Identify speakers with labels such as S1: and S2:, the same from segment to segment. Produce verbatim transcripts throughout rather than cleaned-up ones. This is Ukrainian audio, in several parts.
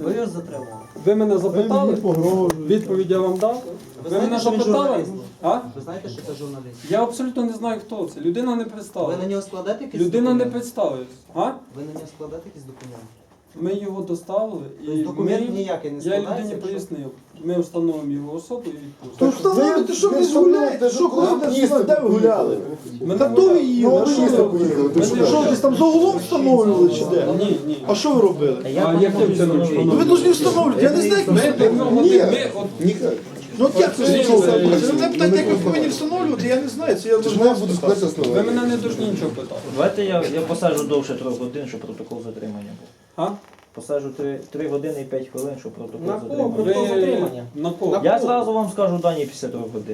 S1: Ви його затримали.
S2: Ви мене запитали?
S3: Погрожуєте.
S2: Відповідь я вам дав?
S1: Ви
S2: Ви мене
S1: знаєте, що він
S2: запитали?
S1: журналіст?
S2: А?
S1: Ви знаєте, що це журналіст?
S2: Я абсолютно не знаю, хто це. Людина не
S1: Ви
S2: представила.
S1: на нього складете якісь
S2: Людина не
S1: документи?
S2: представилась. А?
S1: Ви на нього складете якісь документи?
S2: Ми його доставили
S1: Тобто
S2: і
S1: документ
S2: ми,
S1: ніякий не
S2: я
S1: складається?
S2: людині
S1: якщо-
S2: пояснив. Ми встановимо його особу і відпустимо.
S3: То встановити, що ви гуляєте? Що коли ви де ви гуляли?
S2: Ми
S3: Та
S2: не
S3: то ви
S2: гуляли.
S3: їли, а що ви робили?
S2: Ми не
S3: Що, десь там за углом встановлювали чи де?
S2: Ні, ні.
S3: А що ви робили?
S2: А яким чином
S3: Ну ви
S2: встановити?
S3: повинні встановлювати, я не знаю, як ви
S2: Ми до
S3: встановлюєте.
S2: нього
S3: Ні.
S2: ми от
S3: Ну от як це встановлювати? Ви мене питаєте, як ви повинні встановлювати, я не знаю, це я вже вас питаю.
S2: ви мене не дуже нічого питали.
S4: Давайте я, я посаджу довше трьох годин, щоб протокол затримання був.
S2: А?
S4: Посаджу три години і п'ять хвилин, щоб протокол
S1: На кого?
S4: затримання.
S1: Протокол
S2: Ви
S1: затримання.
S2: на кого?
S4: Я зразу вам скажу дані після трьох годин.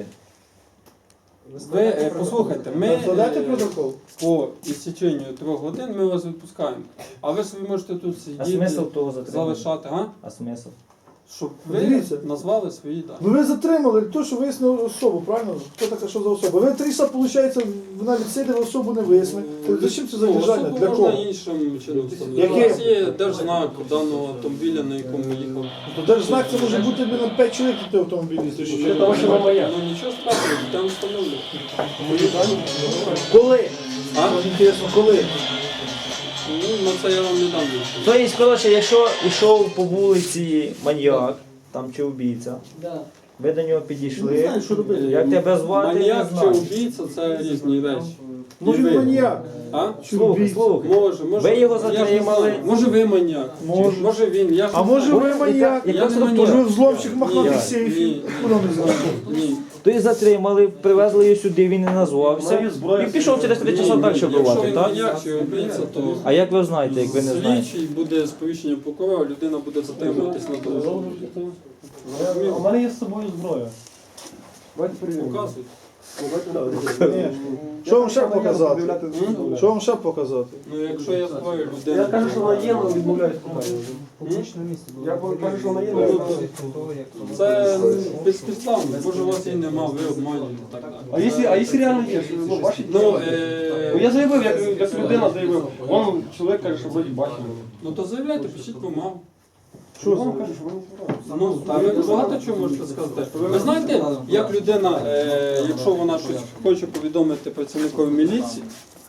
S2: Ви е, послухайте, ми
S3: Складайте
S2: е,
S3: протокол.
S2: по істеченню трьох годин ми вас відпускаємо. А ви собі можете тут
S4: А
S2: сидіти,
S4: смисл того затримання?
S2: залишати, а?
S4: А смисл?
S2: Щоб ви
S3: Дивіться.
S2: назвали свої дані.
S3: Ну ви затримали то, що вияснили особу, правильно? Хто така, що за особа? Ви три часа, виходить, вона відсиділа, особу не вияснили. Зачем це задержання?
S2: Особу
S3: Для
S2: можна
S3: кого?
S2: іншим чином встановити.
S3: Яким?
S2: У нас є держзнак даного автомобіля, на якому їхав.
S3: То держзнак це може бути на п'ять чоловік на той автомобілісти.
S2: Ну, ну нічого страшного, там встановлюють.
S3: Коли?
S2: А?
S3: Мені інтересно, коли?
S2: Ну, на це я вам не дам відповідь.
S4: Тобто, коротше, якщо йшов по вулиці маньяк, там чи вбійця, ви до нього підійшли,
S3: Не знаю, що робити.
S4: як тебе звати, не
S2: Маніяк чи
S4: знаю.
S2: убійця це різні речі.
S3: Може
S2: І ви.
S3: він маніяк?
S2: А?
S4: Слухай,
S3: убійця?
S4: слухай.
S2: Може, може.
S4: Ви його
S2: я ж не
S4: затримали.
S2: знаю. Може ви маніяк.
S3: Може.
S2: Може він. Я ж
S3: А
S2: не
S3: може
S2: знаю.
S3: ви маніяк?
S2: Я
S4: Яка
S2: не
S4: структура?
S3: Може ви
S2: маніяк.
S3: взломщик махнатих
S2: Ні,
S3: сейфів?
S2: ні.
S3: Куди не знаю?
S2: Ні.
S4: То і затримали, привезли його сюди, він не назвався. І пішов через три часа далі
S2: Якщо
S4: бувати,
S2: він
S4: так?
S2: маніяк чи убійця, то
S4: А як ви знаєте, як ви не знаєте?
S2: слідчий буде сповіщення прокурора, людина буде затримуватись на тому.
S5: У мене є з собою зброя.
S2: Показують.
S3: Ні. Що вам ще показати? Що вам ще показати?
S2: Ну якщо я зброю,
S5: Я
S2: людина.
S5: кажу, що вона є, але відмовляюсь померти.
S1: Публічне місце було.
S5: Я кажу, що вона є,
S2: Ну,
S5: але...
S2: Це безпідставно. Може, у вас її нема, ви обманюєте і так далі.
S5: А якщо, а якщо реально є? Ну, бачите?
S2: Ну,
S5: Бо я
S2: е...
S5: заявив, як, як людина заявив. Вон чоловік каже, що вроді бачив мене.
S2: ну то заявляйте, пишіть бумагу.
S5: Що вам каже, що вона збирає?
S2: Ну, та ви багато чого можете сказати. Ви знаєте, як людина, е, якщо вона щось хоче повідомити працівникові міліції,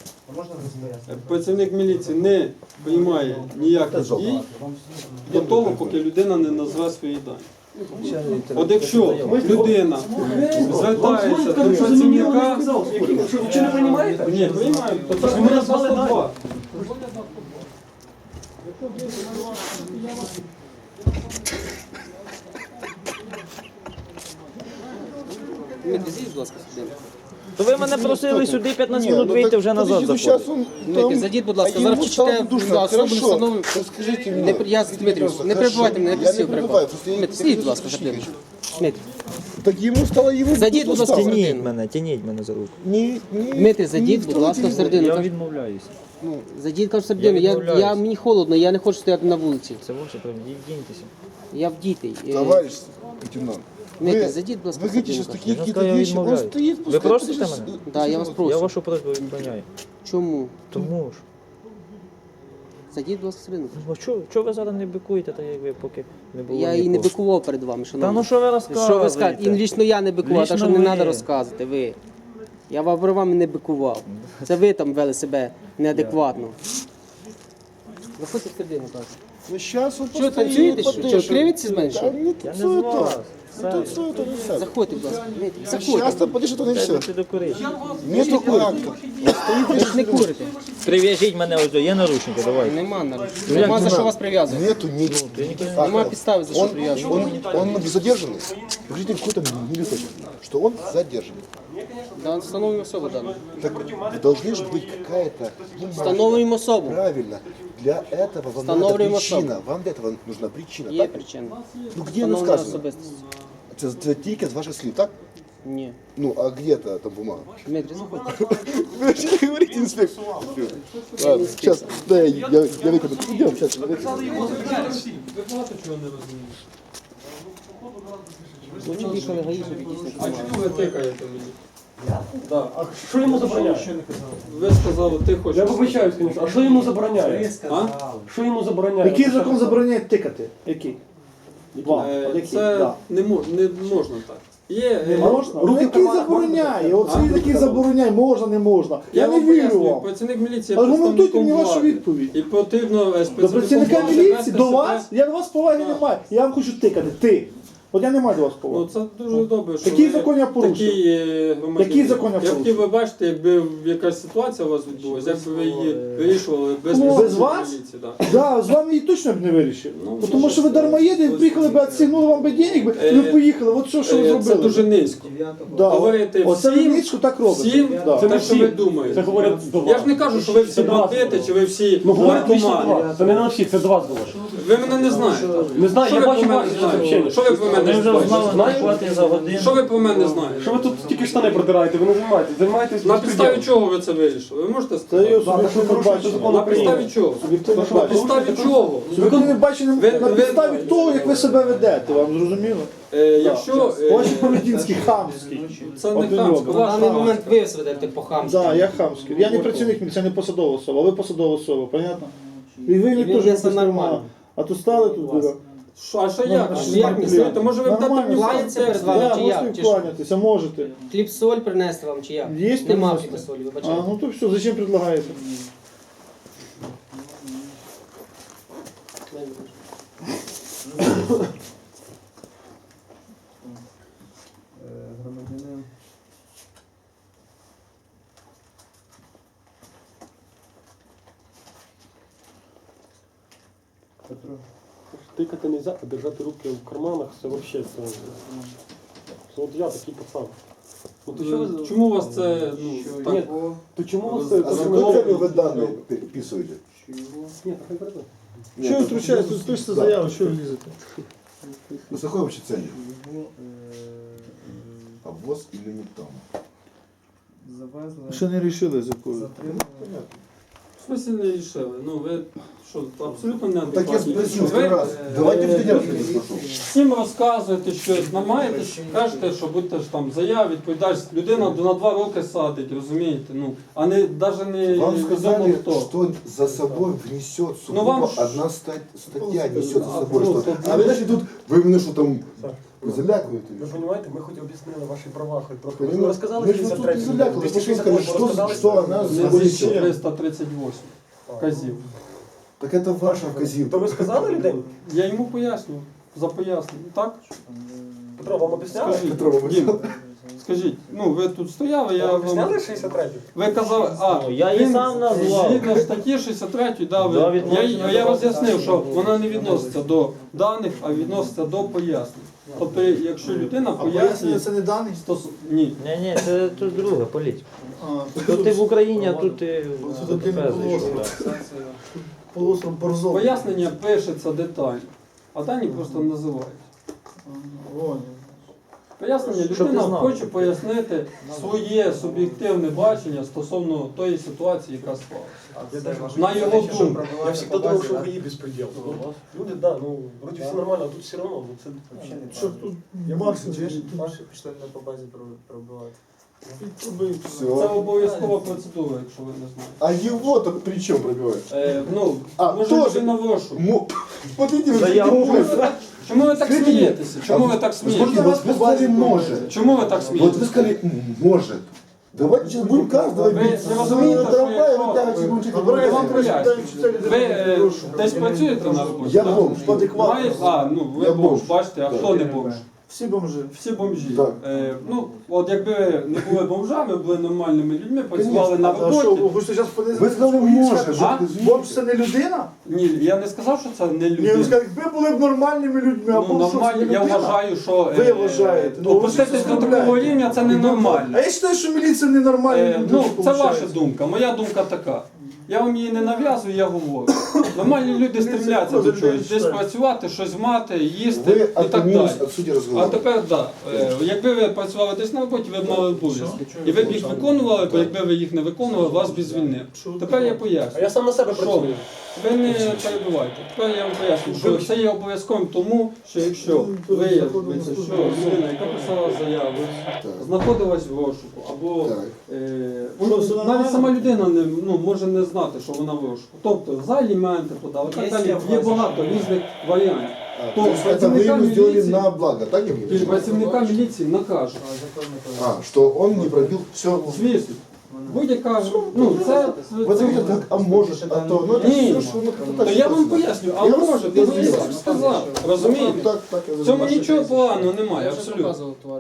S2: е, працівник міліції не приймає ніяких дій до того, поки людина не назве свої дані. От якщо людина звертається до працівника,
S5: Що, ви чи не приймаєте?
S2: ні, приймаємо, то це
S5: Ви мене звали далі.
S2: два.
S6: Дмитрий, будь ласка, сюди.
S4: То ви мене просили сюди п'ятнадцять минут вийти, вже назад заходити.
S6: Дмитрий, зайдіть, будь ласка, зараз читайте особу не встановлюю.
S7: Скажите
S6: Не,
S7: мне.
S6: при- я, Дмитрий, не перебивайте мене, я
S7: Я не
S6: просив
S7: перебиваю,
S6: перебивати.
S7: просто я-
S6: Дмитрий, сидіть, будь ласка, за хвилину. Дмитрий,
S7: Так ему стало ему.
S6: Зайдіть, будь ласка,
S7: стало.
S4: Тяніть мене, тяніть мене за руку.
S7: Не, не,
S6: Дмитрий, зайдіть, будь ласка, всередину.
S4: Я
S6: Кажу,
S4: відмовляюся.
S6: ну, зайдіть, кажу, всередину. Я,
S4: відмовляюсь.
S6: я, мені холодно, я не хочу стояти на вулиці.
S4: Це ваше право, діньтеся.
S6: Я вдітий. Е,
S7: Товарищ лейтенант.
S6: Дмитрий,
S7: вы-
S6: зайдіть, будь ласка,
S7: Вы говорите сейчас
S6: всередину.
S7: такие
S4: Я
S7: какие-то
S4: сказал, я
S7: вещи. Он
S4: відмовляюсь.
S7: стоит,
S4: Ви
S7: пускай
S4: просите
S7: подождет.
S4: мене?
S6: Да, я вас
S4: Я
S6: прошу.
S4: вашу просьбу відміняю.
S6: Чому?
S4: Тому ж.
S6: Зайдіть, будь ласка, всередину.
S4: Ну, чого, чого ви зараз не бикуєте, так як ви поки не було
S6: Я і не
S4: нікого?
S6: бикував перед вами,
S4: Та
S6: шановні.
S4: ну що ви розказуєте?
S6: Що ви скажете? І лічно я не бикував, так що
S4: Лічно
S6: не
S4: ви.
S6: треба розказувати, ви. Я вам про вами не бикував. Це ви там вели себе неадекватно. Заходьте в середину, так.
S7: Ну сейчас он
S6: Що,
S7: постоит,
S6: танцюєте, що?
S7: подышит.
S6: Що, кривитесь з мене, що?
S7: Да не
S4: Я не
S7: танцует
S4: з
S7: он.
S4: вас.
S7: Не танцует он, не сядет.
S6: Заходьте, будь ласка. Дмитрий,
S7: Сейчас
S6: Заходьте.
S7: то подышит он и все.
S4: Ти докурить.
S7: Нету акта.
S6: Ви ж не курите.
S4: Прив'яжіть мене ось до, є наручники, давай.
S6: Нема наручників. Нема за що вас прив'язувати.
S7: Нету ничего.
S6: Нема підстави, за що
S7: Он,
S6: прив'язувати.
S7: он, он задержанный. Покажите какой-то листочек, что он задержанный.
S6: Да, встановлюємо особу дану.
S7: Так должна же быть какая-то бумага.
S6: Встановлюємо особу.
S7: Правильно. Для этого вам надо
S6: Встановлюємо
S7: причина. Вам для этого нужна причина.
S6: Є
S7: Так?
S6: причина.
S7: Ну где она
S6: Встановлена
S7: сказана?
S6: особистість.
S7: Це, це тільки з ваших слів, так?
S6: Ні.
S7: Ну, а где-то там бумага?
S6: Дмитрий, заходьте.
S7: Вы же не говорите, инспектор. Ладно, сейчас, да, я, я, я выкину. Идем, сейчас,
S2: Ви багато чого не розумієте.
S6: Ну, чи їхали гаїшники якісь не
S2: А чому ви тикаєте мені? Да.
S5: А що йому забороняє?
S2: Ви сказали, ти хочеш.
S5: Я вибачаюсь, звісно. А що йому забороняє?
S2: А?
S5: Що йому забороняє?
S3: Який закон забороняє тикати? Який? Вам.
S2: Е,
S3: От який?
S2: Це
S3: Да.
S2: не, мо- не можна так. Є,
S3: Не
S2: е,
S3: можна?
S2: руки
S3: Який
S2: в карманах
S3: забороняє?
S2: можна
S3: Оцей
S2: так?
S3: який забороняє, можна, не можна.
S2: Я
S3: Я не
S2: вам
S3: вірю
S2: пояснюю,
S3: вам.
S2: працівник міліції є
S3: Аргументуйте
S2: представником
S3: мені вашу
S2: влади.
S3: відповідь.
S2: І потрібно е, з
S3: До працівника
S2: влади
S3: міліції,
S2: вести
S3: до
S2: себе-
S3: вас, я до вас поваги не маю. Я вам хочу тикати. Ти. От я не маю до вас
S2: Ну
S3: поваги.
S2: це дуже добре, що
S3: Який
S2: ви
S3: закон я порушив?
S2: такий, е, громадянин.
S3: Який закон я
S2: Я
S3: порушив?
S2: хотів би бачити, якби якась ситуація у вас відбулася, як би ви її вирішували без
S3: Ну, без
S2: працівників
S3: вас?
S2: міліції. Да.
S3: Да, з вами її точно б не вирішив.
S2: Ну,
S3: Бо Тому
S2: може,
S3: що ви дармоєди,
S2: ось-
S3: приїхали б, відсігнули вам би денег, би, і
S2: Е,
S3: ви поїхали. От що, що ви
S2: Е,
S3: зробили.
S2: Це дуже низько.
S3: Да.
S2: Говорите
S3: Оце ви
S2: всім,
S3: низько так робите.
S2: всім,
S3: Да.
S5: Це не
S2: те, що ви
S5: всі.
S2: думаєте.
S5: Це говорять до вас.
S2: Я ж не кажу, що ви всі
S5: Це до вас
S2: бандити,
S5: говорять.
S2: чи ви всі
S5: Ну говорять лично до
S2: наркомани.
S5: вас. Це не на всіх, це до вас говорять.
S2: Ви мене не знаєте.
S5: Не знаю,
S2: Що
S5: я
S2: ви
S5: бачу
S2: про мене
S5: ваші
S2: знаєте?
S5: сообщення.
S2: Що ви про мене
S4: Ми вже
S2: знаєте?
S4: знали
S5: Знаєте?
S4: нарахувати за годину.
S2: Що ви про мене знаєте?
S5: Що ви тут тільки штани протираєте, ви не займаєтесь, займаєтесь
S2: На підставі
S5: безпреділом.
S2: чого ви це вирішили? Ви можете
S3: Це
S2: сказати?
S3: його суб'єктивне бачення.
S5: закон
S2: На
S5: України.
S2: підставі чого?
S3: Суб'єктивне
S2: На
S3: бачення.
S2: підставі чого?
S3: Суб'єктивне бачення
S2: Ви-
S3: на
S2: ви-
S3: підставі того, як ви себе ведете, вам зрозуміло?
S2: Е, Якщо е,
S3: Ваші поведінські хамські.
S2: це не
S3: Один
S2: хамсько,
S3: робить.
S6: На
S2: ваш
S6: даний
S2: хамсько.
S6: момент ви сведете по хамськи.
S3: Так, я хамський. Я не працівник міліції, я не посадова особа, а ви посадова особа, понятно? І ви
S6: І
S3: мені
S6: він
S3: теж
S6: несе
S3: не
S6: нормально.
S3: А то стали тут, дура.
S2: Що, а що
S3: Ну,
S2: як?
S3: а що
S2: Як
S3: ви
S2: не
S3: клієнт?
S2: знаєте? Може ви
S3: Нормально.
S2: дати мені
S6: Кланяться перед вами
S3: Да,
S6: чи як?
S3: можете
S6: Чи що?
S3: вкланятися, можете.
S6: Хліб соль принести вам чи як?
S3: Є
S6: Нема
S3: принести?
S6: хліба солі,
S3: А,
S6: вибачайте.
S3: ну то все, зачем предлагаєте?
S1: Громадянин. Петро.
S5: Тикати не можна, а держати руки в карманах, це взагалі це. Це от я такий пацан. Ну, то що ви-
S2: Чому у вас це ну, так?
S5: Ні, то чому у вас
S2: А
S5: це?
S2: за
S5: це
S7: Какой
S5: не-
S7: целью вы данные переписываете?
S5: Ні, так не треба.
S3: Що ви втручаєтесь? Пишете заяву, що ви лізете?
S7: Ну, с какой вообще целью? Обвоз или не там?
S1: Завезли.
S3: Ще не рішили за якою.
S1: Затримали.
S2: В смысле не рішили? Ну ви що, абсолютно не
S7: Так я
S2: адекватні.
S7: спросил
S2: Ви
S7: сто раз. Давайте в студент спрошу.
S2: всім розказуєте щось, намагаєтесь, кажете, що будете ж там заяв, відповідаєш, людина на два роки садить, розумієте? Ну, а не навіть не
S7: Вам
S2: відомо
S7: сказали,
S2: хто.
S7: что за собой внесет
S2: Ну,
S7: сугубо
S2: вам ж-
S7: одна ста- статья несет за
S2: А,
S7: собой
S2: просто
S7: что.
S2: для-
S7: А вы знаете, тут вы именно что там
S5: Ви
S7: залякуєте.
S5: розумієте, ми хоч об'яснили ваші права, хоч трохи.
S7: Понимаете?
S5: Ви розказали
S7: Мы же тут не залякали, мы просто сказали, что, что она
S2: Не
S7: собой
S2: зі
S7: несет.
S2: триста тридцять вісім казів.
S7: Так это ваша вказівка.
S5: То ви сказали людей?
S2: Я йому пояснюю, за пояснення, так?
S5: Петро, вам об'ясняли?
S2: Скажіть,
S7: Петро, ви
S2: Дім, скажіть, ну ви тут стояли, я
S5: Вам
S2: вам...
S5: об'ясняли шістдесят третю?
S2: Ви казали, а,
S4: Ну, я її
S2: він
S4: сам назвав.
S2: згідно статті шістдесят три, да, ви,
S4: Да,
S2: я,
S4: відноситься
S2: я
S4: до-
S2: роз'яснив, що вона не відноситься до даних, а відноситься до пояснень. Тобто, якщо людина
S3: А
S2: пояснює...
S3: пояснення це не даний?
S2: стос- Ні.
S4: Ні, ні, це тут друга політика.
S3: А,
S4: Тут ти в Україні, а тут ти
S3: Тут
S4: в
S3: ти не
S4: Фез
S3: положено.
S4: зайшов, да.
S3: полуостров Борзов.
S2: Пояснення пишеться детально, а дані просто називають.
S3: Вон.
S2: Пояснення
S4: Щоб ти
S2: людина
S4: знав.
S2: хоче пояснити своє суб'єктивне бачення стосовно тої ситуації, яка склалася. На його думку.
S5: Я всегда думал, что вы беспредел. Люди, да, ну, вроде все нормально, а тут все равно. Ну, це...
S3: Що тут Максим, чи ж
S1: Ваші пішли не по базі пробивати.
S2: Це
S7: Все.
S2: обов'язкова процедура, якщо ви не знаєте.
S7: А его-то при чем пробивать?
S2: Е, ну,
S7: А,
S2: може
S7: тоже.
S2: людина в розшук.
S7: Мо- Вот видите, вы
S4: Заяву.
S7: такие умные.
S2: Чому ви так
S7: Скажіть,
S2: смієтеся? Чому
S7: а
S2: ви так
S7: Смотрите,
S2: смієтеся?
S7: вот вы сказали может.
S2: Чому ви так
S7: Вот вы
S2: смієтеся?
S7: сказали «М, может. Давайте сейчас будем каждого
S2: Вы
S7: бить.
S2: не разумеете, что
S7: Трамвай,
S2: я-
S7: вы так будете
S2: Я
S3: Добре,
S2: вам
S3: вам
S2: поясню.
S3: прочитаю,
S2: Ви е, десь працюєте на роботі?
S7: Я
S2: так?
S7: бомж.
S2: Має- А, ну ви
S7: Я
S2: бомж,
S7: бомж.
S2: бачите, а
S7: Так.
S2: хто не бомж?
S3: Всі бомжи.
S2: Всі бомжі.
S7: Так.
S2: Е, ну, от якби ви не були бомжами, були нормальними людьми, працювали на
S3: А що,
S2: роботі.
S3: ви хочете зараз подивитися?
S7: Ви сказали може.
S2: А?
S3: Бомж це не людина?
S2: Ні, я не сказав, що це не
S3: Ні, ви
S2: людина.
S3: сказали, ви були б нормальними людьми, а
S2: Ну,
S3: бомж що, це
S2: нормально,
S3: не
S2: я
S3: людина?
S2: вважаю, що
S3: Ви
S2: е,
S3: вважаєте. Ну, ви
S2: опуститись
S3: щось
S2: до такого
S3: розмовляєте.
S2: рівня це ненормально.
S3: А я вважаю, що міліція ненормальні
S2: Е,
S3: люди.
S2: ну, це
S3: виходить.
S2: ваша думка, моя думка така. Я вам її не нав'язую, я говорю. Нормальні люди стремляться до чогось, десь працювати, щось мати, їсти
S7: Ви
S2: і так далі.
S7: отклонились от сути
S2: А
S7: разговора.
S2: тепер так, да, якби ви працювали десь на роботі, ви б мали обов'язки. І ви б їх виконували, бо якби ви їх не виконували, вас б звільнив. Тепер я
S5: А
S2: поясню.
S5: я сам на себе
S2: Що?
S5: працюю.
S2: Ви не перебувайте. Тепер я вам поясню, що це є обов'язковим тому, що якщо виявиться, що людина, яка писала заяву, знаходилась в розшуку, або
S7: Так.
S2: е, ну, навіть сама людина не, ну, може не знати, що вона в розшуку. Тобто за аліменти подали, так далі. Є багато різних варіантів.
S7: А,
S2: То
S7: то есть это вы
S2: працівника
S7: ему сделали
S2: міліції,
S7: на благо, так я
S2: і
S7: понимаю?
S2: працівника міліції накажуть.
S7: А, что он не пробил все.
S2: Звісно. Будь-яка, ну це,
S7: Вот
S2: це
S7: видите, так, а может, а то, ну это
S2: Ні.
S7: все, что ну как-то
S2: то
S7: так
S2: я вам
S7: сказано.
S2: поясню, а
S7: Я
S2: може,
S7: вас-
S2: ти
S7: я
S2: мені
S7: зрозумів.
S2: сам сказав, розумієте?
S7: Так, так, я
S2: В цьому
S7: зрозумів.
S2: нічого поганого немає, абсолютно.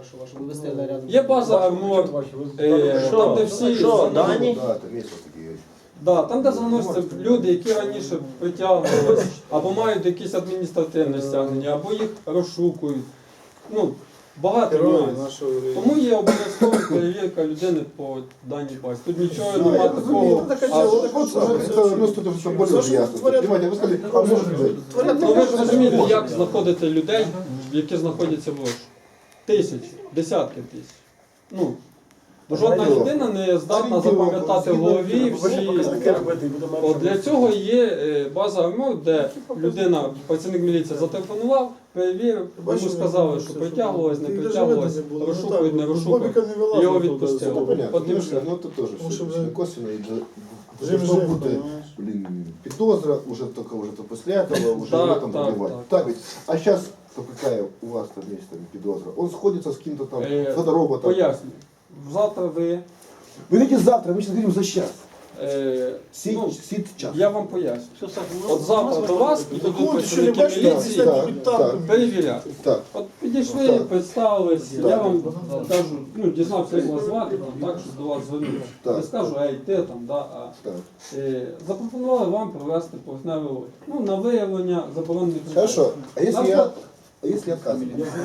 S2: Є база вимог, е,
S5: Що?
S2: там де всі
S4: Що,
S2: заносять-
S4: Дані?
S7: Да, там есть вот такие.
S2: Да, там де заносяться люди, які раніше притягувалися, або мають якісь адміністративне стягнення, або їх розшукують. Ну, багато нюансів. Тому є обов'язкова перевірка людини по даній базі. Тут нічого немає такого.
S7: А вот вот, это ну, что-то что более уже ясно. Понимаете, вы сказали, а может быть.
S2: Ну ви ж розумієте, як знаходити людей, які знаходяться в розшуку. Тисячі, десятки тисяч. Ну, жодна людина не здатна запам'ятати в голові всі. От для цього є е, база вимог, де людина, працівник міліції зателефонував, перевірив, йому сказали, що притягувалось, не притягувалось, розшукують, не розшукують, його відпустили.
S7: Ну, понятно,
S2: От і
S7: ну,
S2: все.
S7: ну это тоже
S3: Потому
S7: все
S3: что
S7: очень
S3: вы-
S7: косвенно. И
S3: Жив,
S7: должно
S3: жив,
S7: бути,
S3: понимаешь?
S7: блин, підозра, уже только уже то после этого, уже
S2: Так,
S7: в этом
S2: так,
S7: пробивать.
S2: так.
S7: Так ведь, а сейчас то какая у вас там есть там підозра? Он сходится с кем-то там,
S2: Е,
S7: фотороботом.
S2: Пояснюю. Завтра ви.
S7: Вы видите, завтра, мы сейчас говорим за час.
S2: Е,
S7: Сид,
S2: ну,
S7: сид час.
S2: я вам поясню. От завтра до вас підуть
S3: Такого ти що не
S2: працівники
S3: бачиш?
S2: міліції
S7: Так, так.
S2: перевіряти.
S7: Так,
S2: От підійшли,
S7: Так.
S2: представились,
S7: Так.
S2: я вам кажу, ну, дізнався, як вас звати, там, так, що до вас звернувся.
S7: Так.
S2: Не скажу, ей, ти там, да, а
S7: так.
S2: е, запропонували вам провести поверхневий огляд. Ну, на виявлення заборонених
S7: Хорошо, а если
S2: Нам
S7: я,
S2: так-
S7: а если отказываю?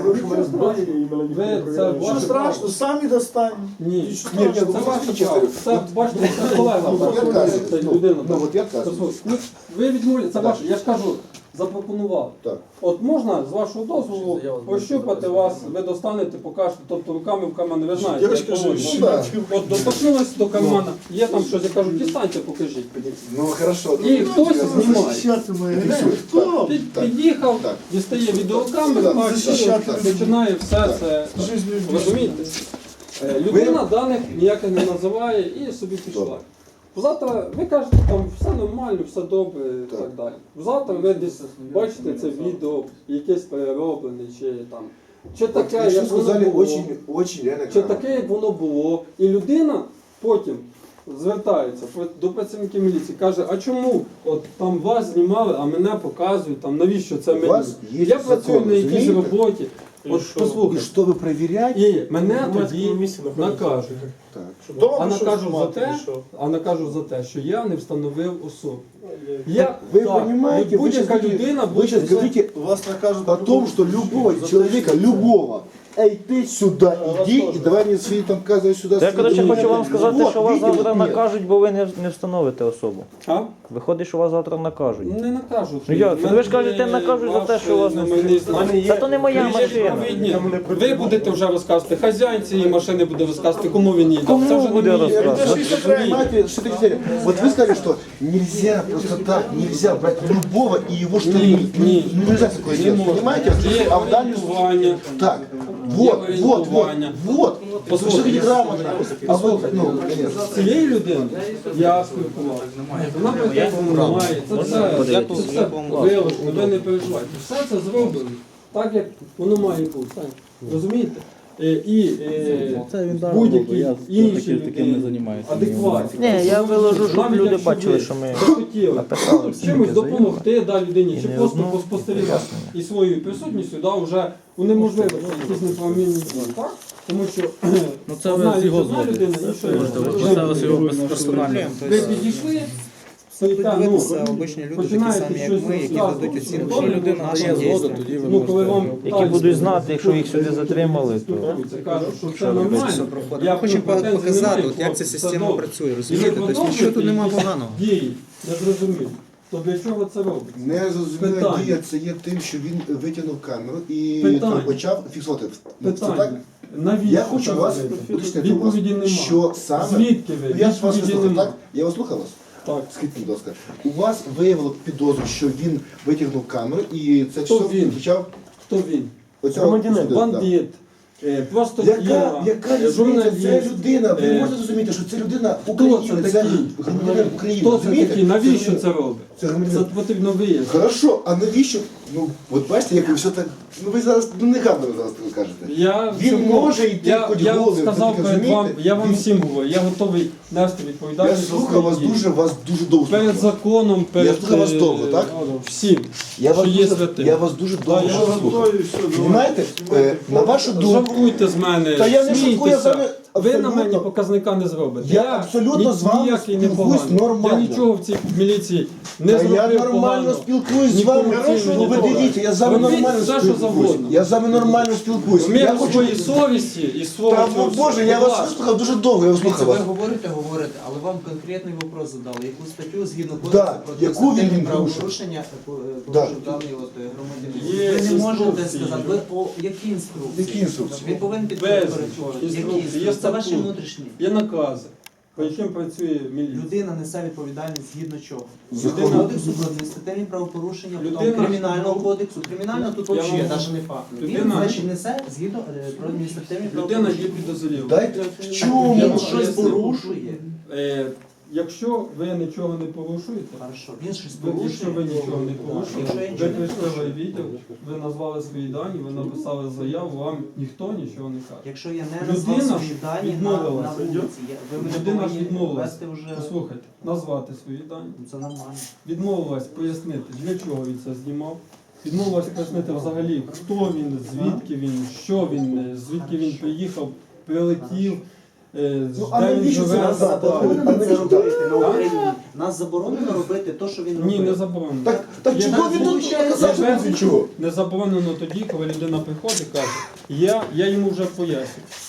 S2: Ви це
S3: Що
S2: ваше
S3: страшно,
S2: право.
S3: самі достанемо.
S2: Ні,
S3: Ні, що
S7: ні,
S2: це
S7: ну,
S2: ваше
S7: чесно.
S2: право. Це, бачите, це колега,
S7: Ну, вот я
S2: ваша
S7: отказываюсь.
S2: людина.
S7: Ну, ну вот я отказываюсь.
S2: Послухайте, ну, ви відмовляєте, це ваше, я ж кажу, запропонував.
S7: Так.
S2: От можна з вашого дозволу пощупати вас, ви достанете, покажете, тобто руками в карман, ви знаєте.
S3: Я ж
S2: як
S3: кажу,
S2: поводити.
S3: що-
S7: Да.
S2: От доторкнулись до кармана, є там щось, я кажу, дістаньте, покажіть.
S7: Ну хорошо.
S2: І хтось знімає.
S3: Захищати мене. Хто?
S2: Під,
S7: Так.
S2: під'їхав,
S7: Так.
S2: дістає відеокамеру,
S7: Так.
S2: бачить,
S3: Захищати.
S2: починає все це.
S3: Жизнь
S2: Розумієте? Е, Людина даних ніяких не називає і собі пішла.
S7: Добре.
S2: Завтра ви кажете, там все нормально, все добре і
S7: Так.
S2: так далі. Завтра ви десь бачите це відео, якесь перероблене, чи там. Чи таке,
S7: Вы
S2: як воно
S7: сказали
S2: було,
S7: очень, очень реально
S2: чи
S7: грамотно.
S2: таке, як воно було. І людина потім звертається до працівників міліції, каже, а чому от там вас знімали, а мене показують, там навіщо це
S7: У
S2: мені?
S7: вас є
S2: Я працюю
S7: закон,
S2: на якійсь
S7: розумієте?
S2: роботі. От
S7: И
S2: послухайте.
S7: что вы проверяете?
S2: І мене тоді накажуть.
S7: Так.
S3: Дома
S2: А
S3: пішов
S2: накажу за
S3: знімати,
S2: те,
S3: і що?
S2: а накажу за те, що я не встановив особу. Я,
S7: Вы
S2: так,
S7: понимаете, вы сейчас,
S2: будь-яка людина
S7: вы сейчас
S2: буде.
S7: говорите
S3: Вас накажуть
S7: о том, что любой человека, любого, эй, ты сюда иди и давай мне свои там казывай сюда.
S4: Я, коротше,
S7: свои-
S4: хочу вам сказати,
S7: Вот,
S4: що вас
S7: видите,
S4: завтра
S7: нет.
S4: накажуть, бо ви не, не встановите особу.
S2: А?
S4: Виходить, що вас завтра накажуть.
S2: Не накажуть.
S4: Ну як?
S2: Мене
S4: Ви ж кажете, накажуть за те, що у вас не
S2: номерний
S4: встановили.
S2: знак.
S4: Та то не моя
S2: Ви є
S4: машина.
S2: відповідні. Ви будете вже розказувати, хазяїн цієї машини буде розказувати, кому він їде.
S4: Кому
S2: Це вже не
S4: буде
S2: мій.
S4: розказувати?
S2: Розумієте?
S7: Понимаете, что это серия? Вот вы сказали, что нельзя просто так, нельзя брать любого и его что
S2: Не, не.
S7: нельзя такое
S2: Не
S7: делать,
S2: можно.
S7: понимаете?
S2: Є
S7: А в данном
S2: орієнтування.
S7: так, вот, вот, вот,
S2: орієнтування.
S7: вот,
S2: Послухайте,
S7: послушайте грамотно, а вы,
S2: послухайте.
S7: ну, конечно.
S2: З цією людиною я спілкувався. Вона претензій немає. Це все, я тут все вилучно, ви не переживайте. Все це зроблено так, як воно має бути. Розумієте? Е, І е, будь-які інші людини адекватні.
S4: Ні, я виложу, щоб
S2: Навіть
S4: люди
S2: якщо
S4: бачили,
S2: ви
S4: що ми
S2: захотіли
S4: написали всі
S2: чимось
S4: заяви.
S2: допомогти да, людині,
S4: І
S2: чи
S4: не
S2: просто
S4: одну
S2: поспостерігати
S4: пояснення.
S2: і своєю присутністю да, вже унеможливити якісь неправомірні дії, так? Тому що
S8: Ну це
S2: одна,
S8: ви з його
S2: одна
S8: згоди.
S2: людина, інша людина.
S8: Поставилося його персонально.
S2: Ви підійшли, стоїте, ну,
S9: обичні люди, такі
S2: починаєте
S9: самі, як
S2: щось
S9: ми, які
S2: розказувати.
S9: дадуть оцінку.
S2: Якщо
S8: людина дає згоду, тоді ви
S2: ну, коли вам
S4: Які
S2: так
S4: будуть знати, якщо їх сюди затримали, то
S2: спілкуються, кажуть, що це нормально. Я
S9: Хочемо
S2: претензій
S9: показати,
S2: немає,
S9: от як ця
S2: хлопці,
S9: система
S2: це добре.
S9: працює,
S2: І ви
S9: розумієте? Тобто нічого тут
S2: продовжуєте
S9: нема
S2: якісь
S9: поганого.
S2: Дії, не зрозуміло. То для чого це робиться?
S7: Незрозуміла
S2: Питання.
S7: дія це є тим, що він витягнув камеру і
S2: Питання.
S7: там почав фіксувати. Ну, це
S2: Питання.
S7: так?
S2: Навіщо
S7: Я хочу
S2: це
S7: вас
S2: робити?
S7: уточнити у вас,
S2: Відповіді немає.
S7: що саме...
S2: Звідки ви?
S7: Ну, я ж вас
S2: Відповіді
S7: слухав,
S2: немає.
S7: так? Я вас слухав вас.
S2: Так.
S7: Скажіть, будь ласка, у вас виявило підозру, що він витягнув камеру і це
S2: Хто
S7: все
S2: він?
S7: включав
S2: Хто він?
S7: оцього
S5: Громадянин.
S7: сюди, да.
S2: Бандит. Е, Просто
S7: Яка,
S2: я,
S7: яка
S2: е,
S7: різниця?
S2: журналіст.
S7: Це людина. Ви
S2: Е,
S7: можете зрозуміти, що це людина
S2: Хто
S7: України,
S2: це
S7: це
S2: такий?
S7: громадянин України.
S2: Хто це
S7: розумієте?
S2: такий? Навіщо
S7: Це
S2: це робить?
S7: Це
S2: Це
S7: громадянин.
S2: потрібно вияснити.
S7: Хорошо, а навіщо? Ну, от бачите, як ви все так. Ну ви зараз ну, не гарно зараз так кажете.
S2: Я
S7: Він
S2: всьому-
S7: може йти
S2: я,
S7: хоч
S2: я
S7: голим,
S2: сказав
S7: ви
S2: перед
S7: розумієте?
S2: вам, я вам
S7: Він-
S2: всім говорю, я готовий нести
S7: Я
S2: відповідальність. за
S7: слухав
S2: свої
S7: вас
S2: дії.
S7: дуже, вас дуже довго
S2: Перед
S7: слухав.
S2: законом, перед
S7: слухав вас
S2: е,
S7: довго, так?
S2: всім,
S7: Я вас,
S2: що є
S7: дуже,
S2: святим.
S7: я вас дуже довго
S2: я
S7: слухав.
S2: готовий, все, давай.
S7: Понимаєте? Е, на вашу думку,
S2: Жартуйте з мене,
S7: Та я не шуткую, я з вами
S2: смійтеся. Ви на
S7: абсолютно-
S2: мені показника не зробите.
S7: Я абсолютно з вами
S2: ніякий не
S7: спілкуюсь
S2: поганий.
S7: нормально.
S2: Я нічого в цій міліції не
S7: Та
S2: зробив
S7: я нормально
S2: погано.
S7: спілкуюсь з
S2: Ні
S7: вами.
S2: корупційно,
S7: Ну ви
S2: ні того.
S7: дивіться, я з вами
S2: Робіть
S7: нормально
S2: все, що
S7: спілкуюсь.
S2: завгодно.
S7: Я з вами нормально спілкуюсь.
S2: В
S7: Я
S2: міру
S7: хочу...
S2: своєї совісті і свого
S7: Та,
S2: цього
S7: ну, Боже,
S2: всього.
S7: я
S2: Будь
S7: вас
S2: ласка.
S7: вислухав дуже довго, я
S9: Дивіться,
S7: слухав
S9: ви
S7: вас.
S9: говорите, говорите, але вам конкретний вопрос задали. Яку статтю згідно
S7: Да,
S9: кодексу про
S7: яку він
S9: адміністративні
S7: порушив?
S9: правопорушення е, по- е,
S7: Да.
S9: порушив даний от е, громадянин?
S2: Є
S9: Ви не можете
S2: інструкції.
S9: сказати, ви по які інструкції?
S7: Які інструкції?
S9: Він повинен
S2: Без
S9: підтримувати.
S2: інструкцій.
S9: Які
S2: Є
S9: інструкції? Це ваші
S2: статут.
S9: внутрішні.
S2: Є накази, по яким працює міліція.
S9: Людина несе відповідальність згідно чого?
S7: Закону.
S9: Згідно кодексу про адміністративні правопорушення, потім
S2: Людина-
S9: кримінального кодексу. Кримінального тут
S2: Я
S9: взагалі
S2: вам-
S9: навіть не факт. Він,
S2: Людина-
S9: значить, несе згідно е, про адміністративні
S2: Людина
S9: правопорушення.
S2: є підозріла.
S7: Дайте в
S9: Так
S7: чому?
S9: Він
S2: Я
S9: щось
S2: поясню.
S9: порушує.
S2: Е, якщо ви нічого не порушуєте,
S9: Хорошо, він щось
S2: ви-
S9: порушує.
S2: якщо ви нічого не
S9: Якщо
S2: порушуєте,
S9: я
S2: ви
S9: нічого не
S2: прийшли в
S9: порушую.
S2: відділ, ви назвали свої дані, ви написали заяву, вам ніхто нічого не каже.
S9: Якщо я не
S2: Людина
S9: назвав
S2: ж
S9: свої дані на,
S2: відмовилася.
S9: на вулиці, я- ви мене
S2: Людина ж
S9: повинні
S2: відмовилася.
S9: вести вже.
S2: Послухайте, назвати свої дані.
S9: Ну, Це нормально.
S2: Відмовилась пояснити, для чого він це знімав. Відмовилась пояснити взагалі, хто він, звідки він, що він, е, звідки він приїхав, прилетів, е,
S7: Ну, а
S2: де він
S7: навіщо це
S2: живе.
S9: Нас
S7: назад?
S9: заборонено
S7: А
S9: це
S7: навіщо?
S9: робити на
S2: А?
S9: Україні. Нас заборонено робити те, що він
S2: Ні,
S9: робив.
S2: не заборонено.
S7: Так, так
S2: Є
S7: чого він тут
S9: виходить,
S7: показав, що
S2: є
S7: він чого?
S2: Не заборонено тоді, коли людина приходить і каже, я, я йому вже поясню.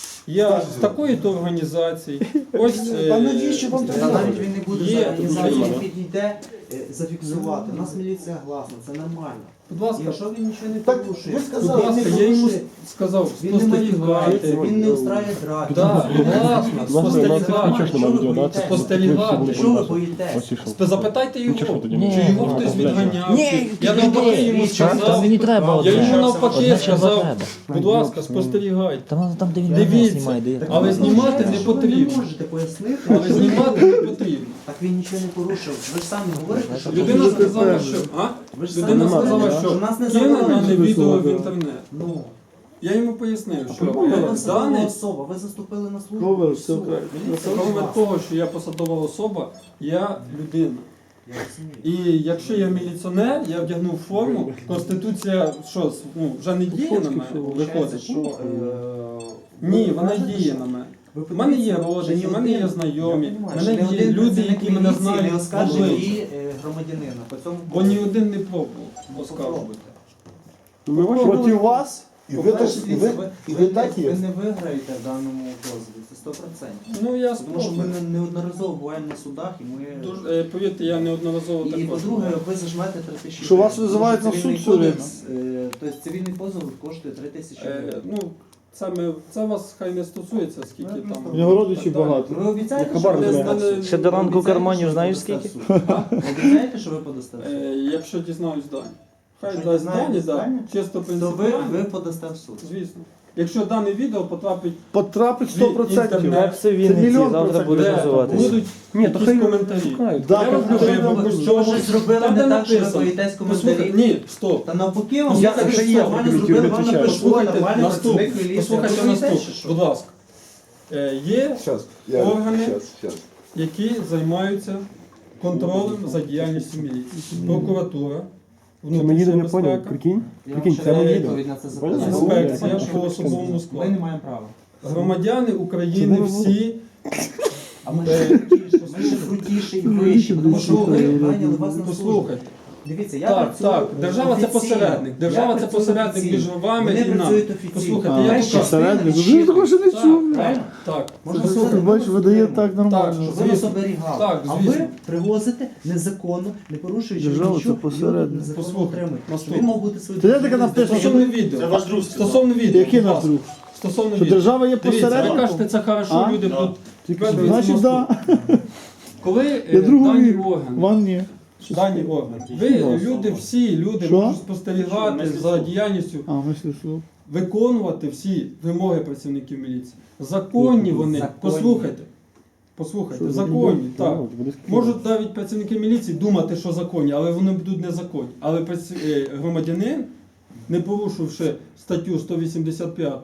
S2: Я з такої-то організації, ось е,
S7: А навіщо вам
S9: Та
S7: треба?
S9: навіть він не буде
S2: Є
S9: за організацію,
S2: Україна.
S9: він підійде е, зафіксувати. У нас міліція гласна, це нормально.
S2: будь ласка,
S9: Якщо він нічого не
S7: Так,
S9: порушує,
S7: ви
S2: будь
S7: сказали,
S9: він не
S2: ласка, я йому
S9: порушує,
S2: сказав,
S9: він не матюкається,
S2: спостерігайте.
S9: він не устраює драки.
S2: Так, власне, спостерігайте.
S9: Що ви боїтесь?
S2: Спостерігати.
S9: Що ви боїтесь?
S2: Спи- Запитайте його,
S8: Ні.
S2: чи його хтось відганяв.
S8: Ні,
S2: чи- Я навпаки йому сказав,
S8: Там мені треба
S2: я
S8: одне.
S2: йому навпаки
S8: Одне треба
S2: сказав,
S8: треба.
S2: будь ласка, спостерігайте.
S8: Там, там де він
S2: Дивіться.
S8: мене знімає, де я.
S2: Але
S9: Ви
S2: знімати
S9: виходить,
S2: не
S9: що Ви
S2: потрібно.
S9: не можете пояснити,
S2: Але знімати не потрібно.
S9: так він нічого не порушив. Ви ж самі говорите, що
S2: Людина сказала, що а?
S9: ви ж
S2: Людина
S9: самі
S2: сказала,
S9: говорите,
S2: що
S9: нас не
S2: кине дане
S9: заборонено.
S2: відео в інтернет.
S9: Ну,
S2: Я йому пояснив, що
S9: ви
S2: е,
S9: посадова
S2: дане,
S9: особа, ви заступили на службу.
S3: Ковер,
S9: і
S3: все
S9: все.
S3: окей.
S9: Міліція
S2: крім
S9: вас.
S2: того, що я посадова особа, я людина.
S9: Я розумію.
S2: І якщо я міліціонер, я вдягнув форму, Конституція що, ну, вже не діє на мене,
S9: Виходить,
S2: виходить.
S9: що е,
S2: Ні,
S9: ви
S2: вона
S9: кажете,
S2: діє
S9: що-
S2: на мене.
S9: ви
S2: У мене є
S9: подивіться,
S2: родичі,
S9: що
S2: у
S9: ні
S2: мене є
S9: один-
S2: знайомі,
S9: я
S2: у
S9: розумію,
S2: мене
S9: що ні
S2: є
S9: один
S2: люди,
S9: працівник
S2: які мене
S9: міліції
S2: знають
S9: не оскаржить
S2: обличчя.
S9: дії е, громадянина. По цьому
S2: Бо ні один не пробував оскаржувати.
S9: Попробуйте.
S3: Проти вас?
S7: І ви так, і ви, і ви так
S9: ви
S7: є.
S9: не виграєте в даному позові, це сто процентів.
S2: Ну я
S9: Тому що ми
S2: спробую.
S9: не- неодноразово буваємо на судах і ми...
S2: Дуже, е, повірте, я неодноразово
S9: І
S2: також.
S9: по-друге, ви зажмете три тисячі.
S3: Що вас
S9: гривень.
S3: визивають
S9: Тому
S3: на
S9: цивільний
S3: суд все
S9: кодекс, е, Тобто цивільний позов коштує три тисячі
S2: Е,
S9: гривень.
S2: ну, це, ми, це вас хай не стосується, скільки
S9: Ну,
S2: там.
S3: У нього родичів
S2: так далі.
S3: багато.
S9: Ви обіцяєте,
S3: Я
S9: що
S3: хабар
S9: ви
S3: не
S9: подасте
S2: знаю.
S9: в суд?
S8: Ще до ранку
S9: Ви обіцяєте,
S8: карманів
S9: що ви
S8: знаєш
S9: подасте
S8: скільки?
S9: в суд? Ви обіцяєте, що ви подасте в суд?
S2: Е, якщо дізнаюсь дані. Хай
S9: Якщо
S2: дасть
S9: дізнаєтесь
S2: дані, да.
S9: дані,
S2: Чисто
S9: То ви,
S2: принципіально.
S9: ви подасте в суд.
S2: Звісно. Якщо дане відео потрапить
S3: Потрапить сто процентів.
S2: Інтернет.
S8: Як це в
S3: Це
S8: Вінниці
S3: мільйон
S8: завтра
S3: процентів.
S8: буде
S2: де
S8: називатися?
S2: будуть
S3: Ні, то
S2: якісь
S3: хай
S2: коментарі.
S3: шукають. Да,
S2: Я роблю
S3: коментарі
S2: вибір,
S3: будуть.
S2: що
S9: Ви щось зробили
S2: Там,
S9: не
S2: де
S9: так, що ви
S2: написано.
S9: боїтесь
S2: Послухайте,
S9: коментарів.
S2: ні, стоп.
S9: Та навпаки, вам
S2: Я
S9: сказали,
S2: так
S9: що
S3: є,
S9: нормально
S3: я
S9: зробили, вам
S3: відповідаю.
S9: напишу,
S2: Послухайте,
S9: нормальний
S2: наступ.
S9: працівник міліції.
S2: Послухайте
S9: Ви боїтесь,
S2: наступ.
S9: чи що?
S2: Будь ласка. Е, Є
S7: Щас, я,
S2: Органи.
S7: щас, щас.
S2: які займаються контролем за діяльністю міліції. Прокуратура, внутрішня безпека,
S5: прикинь?
S9: Я вам ще дам відповідь на це запитання.
S2: інспекція
S9: Ви
S2: по особовому
S9: Ми
S2: складу.
S9: не маємо права.
S2: Громадяни України всі.
S9: А ми ще крутіші, ми ще крутіші і вищі, тому що ви прийняли вас на службу.
S2: Послухайте.
S9: Дивіться, я
S2: Так,
S9: працюю
S2: так, держава це
S9: офіційно.
S2: посередник. Держава
S9: Я
S2: це
S9: працюю
S2: посередник
S9: офіційно.
S2: між вами
S9: Вони
S2: і нами.
S9: працюють офіційно.
S2: Послухайте,
S9: А,
S2: я
S9: перші
S2: покажу.
S3: Посередник?
S9: частини
S3: Ви такого ще не
S2: Так,
S3: чув.
S2: правильно? Так.
S9: Можна
S3: Слухай,
S9: сказати,
S3: бачиш, видає так нормально.
S9: щоб ви
S2: звісно.
S9: нас оберігали.
S2: Так,
S9: а
S2: звісно.
S9: ви привозите незаконно, не порушуючи
S3: Держава це
S9: нічого,
S3: посередник.
S9: люди незаконно
S2: Послухайте,
S9: отримують.
S2: наступне.
S9: Він мав бути свої
S3: Це я таке написано, що
S2: Стосовно відео. Це ваш друг. Стосовно відео.
S3: Який
S2: будь
S3: наш
S2: ласка.
S3: друг?
S2: Стосовно
S3: Що
S2: відео.
S3: держава є
S2: Дивіться, ви
S3: посередником?
S2: кажете, це хорошо,
S3: А?
S2: люди тут.
S3: Тільки
S2: Ведуть
S3: значить,
S2: мосту.
S3: да.
S2: Коли е,
S3: Я другої
S2: дані органи,
S3: Ван ні.
S2: дані органи, ви, люди, всі люди
S3: Що?
S2: можуть спостерігати за діяльністю,
S3: А, мислю, що.
S2: виконувати всі вимоги працівників міліції. Законні вони,
S9: Законні.
S2: послухайте, послухайте,
S3: Що,
S2: законні, так.
S5: Вони
S2: Можуть навіть працівники міліції думати, що законні, але вони будуть незаконні. Але праці- е, громадянин, не порушивши статтю сто вісімдесят п'ять,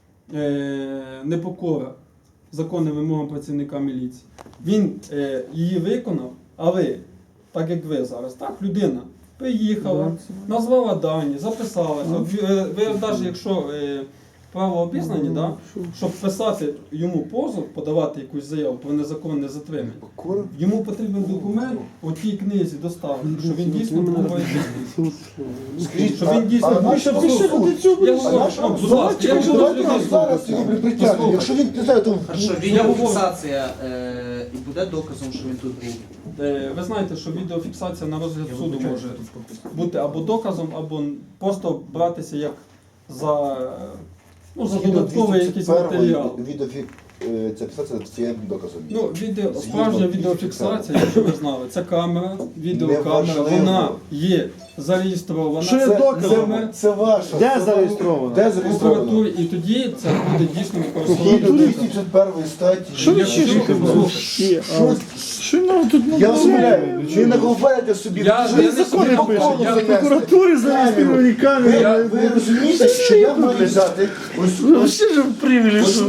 S2: е, непокора законним вимогам працівника міліції, він е, її виконав, але, так як ви зараз, так, людина приїхала, назвала дані, записалася. От Ви, е, ви навіть якщо е, право обізнані, да, щоб писати йому позов, подавати якусь заяву про незаконне затримання, йому потрібен документ у тій книзі доставити, що він дійсно був воєнний. Що він дійсно був.
S3: Міша, пиши по цю,
S2: Я говорю, що, будь ласка, я говорю,
S7: Давайте
S2: що
S7: нас зараз його притягнемо. Якщо він не знаю, там
S9: Хорошо,
S2: Я
S9: відеофіксація е, і буде доказом, що він тут був.
S2: Е, ви знаєте, що відеофіксація на розгляд суду може бути або доказом, або просто братися як за, ну, за додатковий якийсь матеріал.
S7: Відеофік, е, ця фіксація це є доказом.
S2: Ну, відео,
S7: Згідно
S2: справжня відеофіксація, якщо ви знали, це камера, відеокамера,
S7: Неважливо.
S2: вона є зареєстрована.
S3: Що є
S2: Це-
S3: доказом?
S2: це-
S7: Це ваше.
S3: Де зареєстровано?
S7: Де
S2: в
S7: зареєстровано?
S2: прокуратурі, і тоді це буде дійсно
S7: Згідно
S2: використовувати.
S7: двісті п'ятдесят першої статті.
S3: Що ви
S2: Якщо-
S3: чешете?
S7: Що?
S3: Що нам тут
S7: Я вас умоляю, ви наголубаєте собі.
S2: Я-
S7: ви
S2: я
S7: ж
S2: не
S7: закони
S2: собі
S7: пише.
S2: пишу, я
S7: Я
S3: в прокуратурі зареєстровані камери.
S7: Ви, ви розумієте, що я маю взяти ось
S3: Ви
S7: ось
S3: всі ж привілі, що...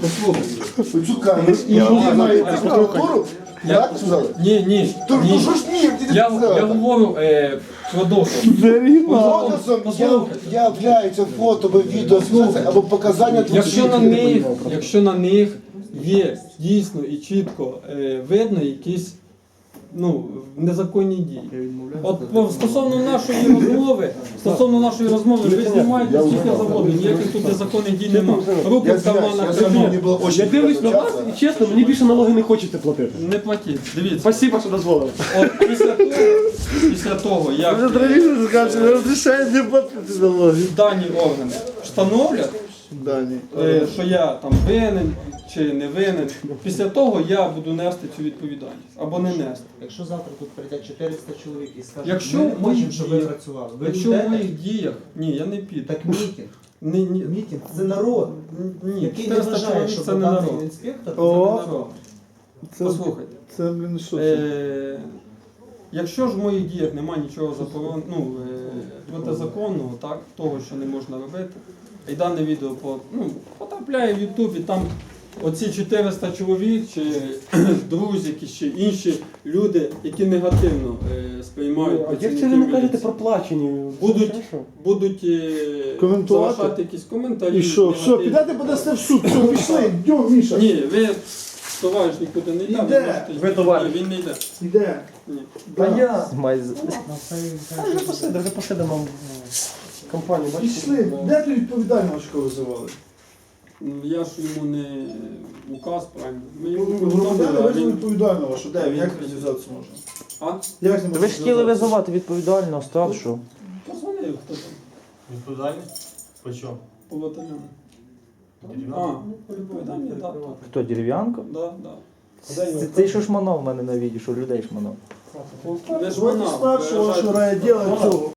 S7: цю камеру і я маю йти в прокуратуру?
S2: Я-
S7: Так сказали?
S2: Ні, ні,
S7: То ну
S2: ні.
S7: що ж ні, ти не
S2: Я,
S7: сказала.
S2: я говорю е, про доказ.
S3: Оригінал.
S7: Доказом я-
S2: Послухайте.
S7: являється фото або відео або показання двох
S2: Якщо на
S7: свідків.
S2: них, якщо на них є дійсно і чітко е, видно якісь, ну, незаконні дії. От по- стосовно нашої розмови, стосовно нашої розмови, ви знімаєте скільки завгодно, ніяких тут незаконних дій немає. Руки
S7: Я
S2: в
S7: знаю, я
S2: карманах
S7: сьогодні мені
S2: тримав.
S7: було
S5: Я дивлюсь на вас і чесно, мені більше налоги не хочеться платити.
S2: Не платіть. Дивіться.
S5: Спасибо, що дозволили.
S2: От після того, після того, як
S3: Вже травіше скажуть, не розрішають не платити налоги.
S2: дані органи встановлять,
S3: Дані.
S2: е, що я там винен чи не винен, після того я буду нести цю відповідальність або не нести.
S9: Якщо завтра тут прийде чотириста чоловік і скаже,
S2: Якщо
S9: ми не
S2: в моїх
S9: хочемо, щоб ви
S2: діях-
S9: працювали. Ви
S2: Якщо в
S9: йдете?
S2: моїх діях, ні, я не піду.
S9: Так мітинг.
S2: Ні, ні,
S9: Мітинг це народ,
S2: ні,
S9: який не
S2: чотириста
S9: вважає,
S2: чоловік
S9: що
S2: це не
S9: даний
S2: народ.
S9: інспектор
S2: Це
S3: О.
S2: не народ.
S3: Це,
S2: Послухайте.
S3: це, блін, що це?
S2: Е, якщо ж в моїх діях немає нічого заборон, ну, е, протизаконного, так, того, що не можна робити, і дане відео по, ну, потрапляє в Ютуб, і там оці чотириста чоловік, чи друзі, якісь, чи інші люди, які негативно е, сприймають
S5: А як це
S2: працівників
S5: ви не кажете
S2: міліції,
S5: про плачені?
S2: Будуть-
S5: Це що?
S2: будуть е,
S3: Коментувати?
S2: залишати якісь коментарі.
S3: І що? Все,
S2: негативні.
S3: підете подасте в суд. Все, пішли, йдемо, Міша.
S2: Ні, ви, товариш, нікуди не йде.
S3: Іде.
S2: ви можете-
S5: Ви товариш.
S2: Ні, він не йде.
S3: Іде.
S2: Ні.
S5: Та я.
S4: Знімай з-
S5: А вже посиде, вже посидимо в компанії, бачите?
S3: Пішли. Де ти відповідального що визивали?
S2: Я ж йому не указ, правильно. Ми йому
S3: Громадяни
S2: повідомили, а
S3: визвали
S2: він...
S3: відповідального, що де?
S2: він-
S3: Як розв'язатися можна?
S2: А?
S3: Як з ним
S4: Ви
S3: можна
S4: ж хотіли
S3: зв'язатися?
S4: визивати відповідального старшого.
S2: Позвонив хто там
S8: Відповідальність? По чому?
S2: по батальйону. А,
S8: Дерев'янко?
S2: по відповідальні, так, так.
S4: Хто, дерев'янко?
S2: Да, да.
S4: Це, це що шманав в мене на відео, що людей шманав.
S2: Не ж
S3: Звати
S2: вона,
S3: старшого, що
S2: виражайте.
S3: рає діло цього.